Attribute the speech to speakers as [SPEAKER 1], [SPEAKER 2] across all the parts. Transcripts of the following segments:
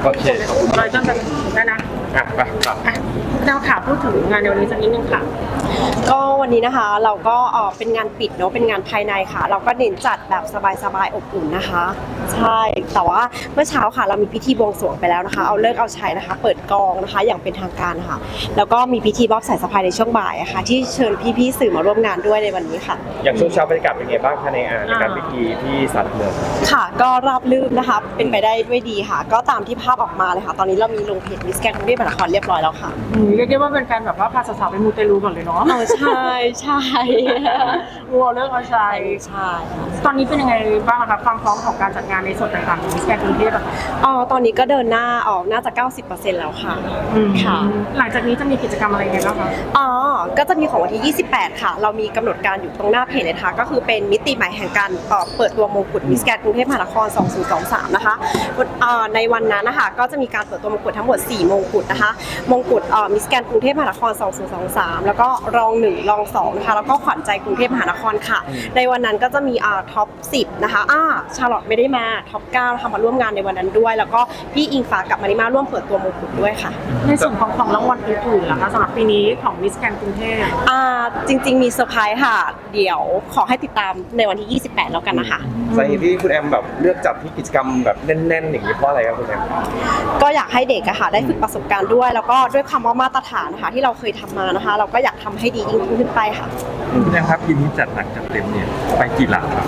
[SPEAKER 1] โอเค
[SPEAKER 2] เราต้องกันได้นะ
[SPEAKER 1] ไปครับ
[SPEAKER 2] เราค่ะพูดถึงงานในวันนี้สักนิดนึงค่ะ
[SPEAKER 3] ก็วันนี้นะคะเราก็เป็นงานปิดเนาะเป็นงานภายในค่ะเราก็เน้นจัดแบบสบายๆอบอุ่นนะคะใช่แต่ว่าเมื่อเช้าค่ะเรามีพิธีบวงสรวงไปแล้วนะคะเอาเลิกเอาชัยนะคะเปิดกองนะคะอย่างเป็นทางการค่ะแล้วก็มีพิธีมอบสายสะพายในช่วงบ่ายค่ะที่เชิญพี่ๆสื่อมาร่วมงานด้วยในวันนี้ค่ะ
[SPEAKER 1] อย่างช่วงเช้าบรรยากาศเป็นไงบ้างคะในการพิธีที่ศาลหลักเมือง
[SPEAKER 3] ค่ะก็ราบรื่นนะคะเป็นไปได้ด้วยดีค่ะก็ตามที่ภาพออกมาเลยค่ะตอนนี้เรามีลงเพจมิสแกรนด์กรุงเทพมหานครเรียบร้อยแล้วค่ะ
[SPEAKER 2] เรียกได้ว่าเป็นการแบบว่าพาสาวๆไปมูเตลูก่อนเลยเนาะ
[SPEAKER 3] ใช่
[SPEAKER 2] วัวเลิกเอาชัย
[SPEAKER 3] ใช่
[SPEAKER 2] ตอนนี้เป็นยังไงบ้างคะความพร้อมของการจัดงานในส่วนต่างๆของมิสแกรนด์กรุงเทพอะ
[SPEAKER 3] ตอนนี้ก็เดินหน้าออกน่าจะ 90% แล้วค่ะ
[SPEAKER 2] ค่ะหลังจากนี้จะมีกิจกรรมอะไรไงบ้างคะ
[SPEAKER 3] ก็จะมีของวันที่28ค่ะเรามีกำหนดการอยู่ตรงหน้าเพจเลยค่ะก็คือเป็นมิติใหม่แห่งการเปิดตัวมงกุฎมิสแกรนด์กรุงเทพมหานคร2023นะคะในวันนั้นนะคะก็จะมีการเปิดตัวมงกุฎทั้งหมด4มงกุฎนะคะมงกุฎมิสแกรนด์กรุงเทพมหานคร2023แล้วก็รอง1รอง2นะคะแล้วก็ขวัญใจกรุงเทพมหานครค่ะในวันนั้นก็จะมีท็อป10นะคะชาร์ลอตไม่ได้มาท็อป9นะคะมาร่วมงานในวันนั้นด้วยแล้วก็พี่อิงฟ้ากับมาริมาร่วมเปิดตัวมงกุฎด้วยค่ะ
[SPEAKER 2] ในส่วนของรางวัลอื่นๆล่ะคะสำหรับปีนี้ของมิสแกรนด์กรุงเทพ
[SPEAKER 3] จริงๆมีเซอร์ไพรส์ค่ะเดี๋ยวขอให้ติดตามในวันที่28แล้วกันนะคะ
[SPEAKER 1] สาเหตุที่คุณแอมแบบเลือกจัดที่กิจกรรมแบบแน่นๆอย่างนี้เพราะอะไรครับคุณแอม
[SPEAKER 3] ก็อยากให้เด็กอะค่ะได้ฝึกประสบการณ์ด้วยแล้วก็ด้วยคำว่ามาตรฐานนะคะที่เราเคยทำมานะคะเราก็อยากทำให้ดียิ่งขึ้นไปค่ะ
[SPEAKER 4] คุณแอมครับปีนี้จัดหนักจัดเต็มเนี่ยไปกี่หลักครับ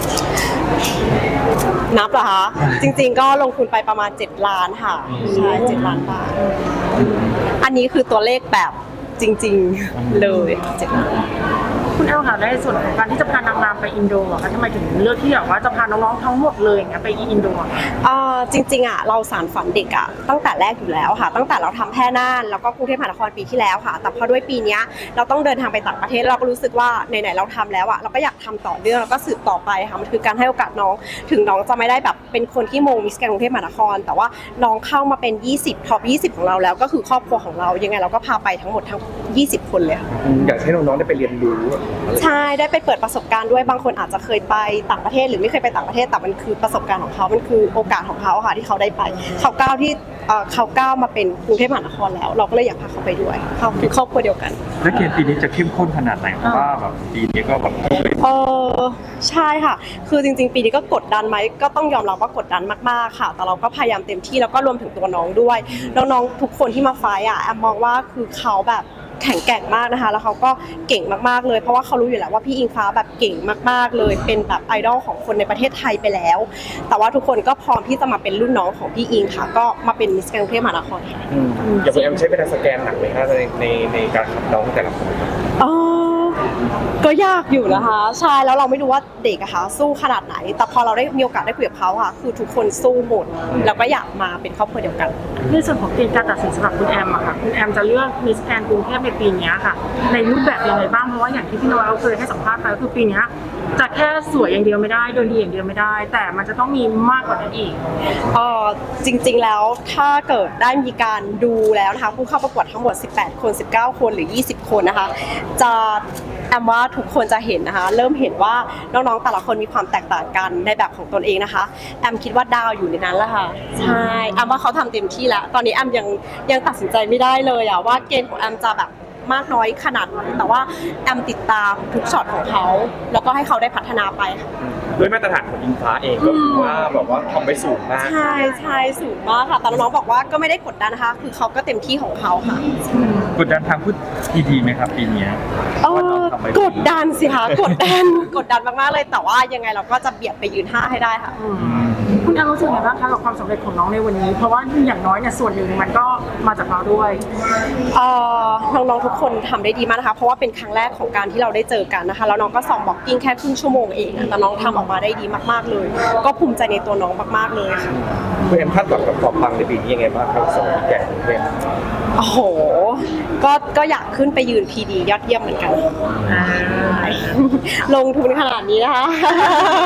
[SPEAKER 3] นับเหรอคะจริงๆก็ลงทุนไปประมาณ7 ล้านค่ะใช่7 ล้านบาทอันนี้คือตัวเลขแบบจริงๆเลย7 ล้าน
[SPEAKER 2] คุณแอลค่ะในส่วนของการที่จะพานางงามไปอินโดอะคะทำไมถึงเลือกที่แบบว่าจะพาน้องๆทั้งหมดเลยอย่างเงี้ยไปอินโด
[SPEAKER 3] จริงๆเราสานฝันเด็กตั้งแต่แรกอยู่แล้วค่ะตั้งแต่เราทำแพร่น่านแล้วก็กรุงเทพมหานครปีที่แล้วค่ะแต่พอด้วยปีนี้เราต้องเดินทางไปต่างประเทศเราก็รู้สึกว่าไหนๆเราทำแล้วเราก็อยากทำต่อเนื่องแล้วก็สืบต่อไปค่ะมันคือการให้โอกาสน้องถึงน้องจะไม่ได้แบบเป็นคนที่มงมิสแกรนด์กรุงเทพมหานครแต่ว่าน้องเข้ามาเป็น20ท็อป20ของเราแล้วก็คือครอบครัวของเรายังไงเราก็พาไปทั้งหมดทั้ง20คนเลยค่ะ
[SPEAKER 1] อยากให้น้องๆได้ไปเรียนรู้
[SPEAKER 3] ใช่ได้ไปเปิดประสบการณ์ด้วยบางคนอาจจะเคยไปต่างประเทศหรือไม่เคยไปต่างประเทศแต่มันคือประสบการณ์ของเขามันคือโอกาสของเขาค่ะที่เขาได้ไปเขาก้าวมาเป็นกรุงเทพมหานครแล้วเราก็เลยอยากพาเขาไปด้วยเขาคือครอบครัวเดียวกัน
[SPEAKER 4] และเกมปีนี้จะเข้มข้นขนาดไหนเพราะว่าแบบปีนี้ก็แบบ
[SPEAKER 3] ใช่ค่ะคือจริงๆปีนี้ก็กดดันไหมก็ต้องยอมรับว่ากดดันมากๆค่ะแต่เราก็พยายามเต็มที่แล้วก็รวมถึงตัวน้องด้วยน้องๆทุกคนที่มาไฟท์แอมมองว่าคือเขาแบบแข็งแกร่งมากนะคะแล้วเขาก็เก่งมากๆเลยเพราะว่าเขารู้อยู่แล้วว่าพี่อิงฟ้าแบบเก่งมากๆเลยเป็นแบบไอดอลของคนในประเทศไทยไปแล้วแต่ว่าทุกคนก็พร้อมที่จะมาเป็นรุ่นน้องของพี่อิงค่ะก็มาเป็นมิสแกรนด์กรุงเทพมหานครค่ะ
[SPEAKER 1] อย่างคุณแอมใช้เวลาสแกนหนักไหมคะในการคัดน้องแต่ละคน
[SPEAKER 3] ก็ยากอยู่นะคะใช่แล้วเราไม่รู้ว่าเด็กอะค่ะสู้ขนาดไหนแต่พอเราได้มีโอกาสได้คุยกับเขาค่ะคือทุกคนสู้หมดแล้วก็อยากมาเป็นครอบครัวเดียวกัน
[SPEAKER 2] ในส่วนของเกณฑ์การตัดสินสำหรับคุณแอมอะค่ะคุณแอมจะเลือกมิสแกรนด์กรุงเทพในปีนี้ค่ะในรูปแบบยังไงบ้างเพราะว่าอย่างที่พี่น้อยเคยให้สัมภาษณ์ไปก็คือปีนี้จะแค่สวยอย่างเดียวไม่ได้เดินดีอย่างเดียวไม่ได้แต่มันจะต้องมีมากกว่านั้นอีก
[SPEAKER 3] จริงๆแล้วถ้าเกิดได้มีการดูแล้วนะคะผู้เข้าประกวดทั้งหมด18คน19คนหรือ20คนนะคะจะแอมว่าทุกคนจะเห็นนะคะเริ่มเห็นว่าน้องๆแต่ละคนมีความแตกต่างกันในแบบของตนเองนะคะแอมคิดว่าดาวอยู่ในนั้นแหละค่ะใช่แอมว่าเขาทำเต็มที่แล้วตอนนี้แอมยังตัดสินใจไม่ได้เลยว่าเกณฑ์ของแอมจะแบบมากน้อยขนาดไหนแต่ว่าแอมติดตามทุกช็อตของเขาแล้วก็ให้เขาได้พัฒนาไปค่ะ
[SPEAKER 1] ด้วยมาตรฐานของอิงฟ้าเองก็คือว่าแบบว่าทำไปสูงมาก
[SPEAKER 3] ใช่สูงมากค่ะแต่น้องๆบอกว่าก็ไม่ได้กดดันนะคะคือเขาก็เต็มที่ของเขาค่ะ
[SPEAKER 4] กดดันทางพูดดีไหมครับปีนี้
[SPEAKER 3] กดดันสิคะกดดันมากๆเลยแต่ว่ายังไงเราก็จะเบียดไปยืน5ให้ได้ค่ะ
[SPEAKER 2] คุณแอมรู้สึกไงบ้างคะกับความสำเร็จของน้องในวันนี้เพราะว่าอย่างน้อยเนี่ยส่วนหนึ่งมันก็มาจากเราด้วย
[SPEAKER 3] น้องๆทุกคนทำได้ดีมากนะคะเพราะว่าเป็นครั้งแรกของการที่เราได้เจอกันนะคะแล้วน้องก็ซ้อมบ็อกกิ้งแค่ครึ่งชั่วโมงเองแต่น้องทำออกมาได้ดีมากๆเลยก็ภูมิใจในตัวน้องมากๆเลยค่ะ
[SPEAKER 1] คุณแอมคาดหวังกับความปังในปีนี้ยังไงบ้างครับสำหรับแก่กรุงเทพ
[SPEAKER 3] โอ้โหก็อยากขึ้นไปยืนพีดียอดเยี่ยมเหมือนกันลงทุนขนาดนี้นะคะ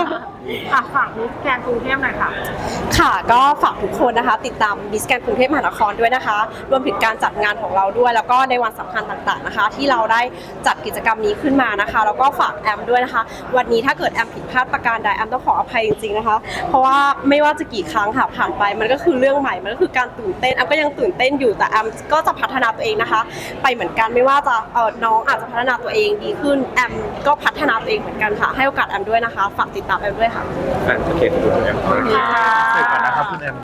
[SPEAKER 2] ฝากมิสแกรนด์กรุงเทพหน่อยค่ะ
[SPEAKER 3] ค่ะก็ฝากทุกคนนะคะ ติดตามมิสแกรนด์กรุงเทพมหานครด้วยนะคะ รวมถึงการจัดงานของเราด้วย แล้วก็ในวันสำคัญต่างๆนะคะ ที่เราได้จัดกิจกรรมนี้ขึ้นมานะคะแล้วก็ฝากแอมด้วยนะคะ วันนี้ถ้าเกิดแอมผิดพลาดประการใดแอมต้องขออภัยจริงๆนะคะ เพราะว่าไม่ว่าจะกี่ครั้งค่ะผ่านไปมันก็คือเรื่องใหม่มันก็คือการตื่นเต้นแอมก็ยังตื่นเต้นอยู่แต่แอมก็จะพัฒนาตัวเองนะคะ ไปเหมือนกันไม่ว่าจะน้องอาจจะพัฒนาตัวเองดีขึ้นแอมก็พัฒนาตัวเองเหมือนกันค่ะให้โอกาสแอมด้วยนะคะฝากติดตามแอมด้วยค่ะ
[SPEAKER 1] โอเคขอบคุณคุณแอม
[SPEAKER 2] ค่ะ
[SPEAKER 4] เสร็จก่อนนะครับคุณแอม